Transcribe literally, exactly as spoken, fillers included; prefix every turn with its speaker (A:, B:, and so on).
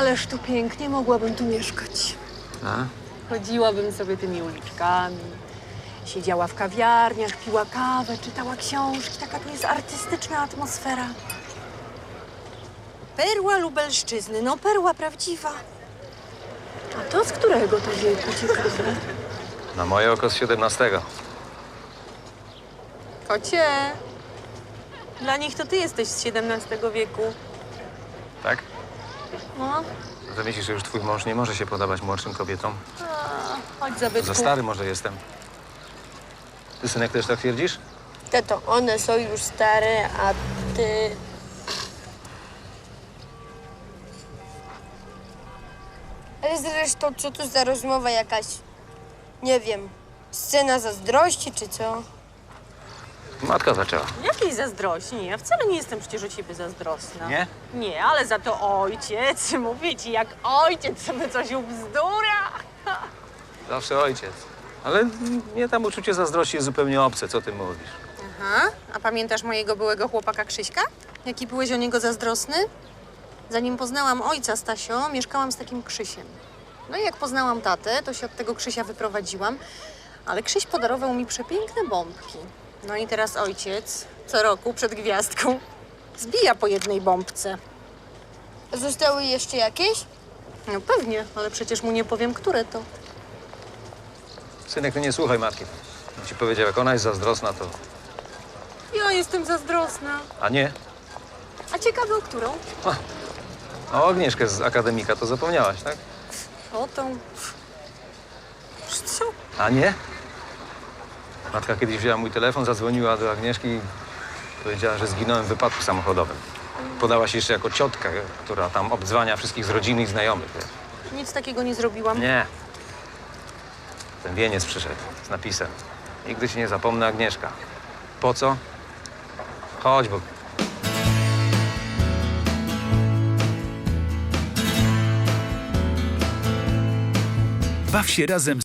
A: Ależ tu pięknie, mogłabym tu mieszkać.
B: A?
A: Chodziłabym sobie tymi uliczkami, siedziała w kawiarniach, piła kawę, czytała książki. Taka tu jest artystyczna atmosfera. Perła Lubelszczyzny, no perła prawdziwa. A to z którego to wieku ciekawe?
B: Na moje oko z siedemnastego.
A: Kocie, dla nich to ty jesteś z siedemnastego wieku.
B: Tak?
A: No,
B: To myślisz, że już twój mąż nie może się podobać młodszym kobietom?
A: a, chodź zabytku.
B: Za stary może jestem. Ty, synek, też tak twierdzisz?
C: Tato, one są już stare, a ty... Ale zresztą, co to za rozmowa jakaś, nie wiem, scena zazdrości czy co?
B: Matka zaczęła.
A: Jakiej zazdrości? Nie, ja wcale nie jestem przecież o ciebie zazdrosna.
B: Nie?
A: Nie, ale za to ojciec, mówię ci, jak ojciec sobie coś ubzdura.
B: Zawsze ojciec. Ale mnie tam uczucie zazdrości jest zupełnie obce. Co ty mówisz?
A: Aha, a pamiętasz mojego byłego chłopaka Krzyśka? Jaki byłeś o niego zazdrosny? Zanim poznałam ojca Stasio, mieszkałam z takim Krzysiem. No i jak poznałam tatę, to się od tego Krzysia wyprowadziłam, ale Krzyś podarował mi przepiękne bombki. No i teraz ojciec co roku przed gwiazdką zbija po jednej bombce.
C: Zostały jeszcze jakieś?
A: No pewnie, ale przecież mu nie powiem, które to.
B: Synek, ty nie słuchaj matki. On ci powiedział, jak ona jest zazdrosna, to...
A: Ja jestem zazdrosna.
B: A nie?
A: A ciekawe, o którą?
B: A o Agnieszkę z akademika to zapomniałaś, tak?
A: O tą... Co?
B: A nie? Matka kiedyś wzięła mój telefon, zadzwoniła do Agnieszki i powiedziała, że zginąłem w wypadku samochodowym. Podała się jeszcze jako ciotka, która tam obdzwania wszystkich z rodziny i znajomych. Wiesz.
A: Nic takiego nie zrobiłam.
B: Nie. Ten wieniec przyszedł z napisem. Nigdy się nie zapomnę, Agnieszka. Po co? Chodź, bo...
D: Baw się razem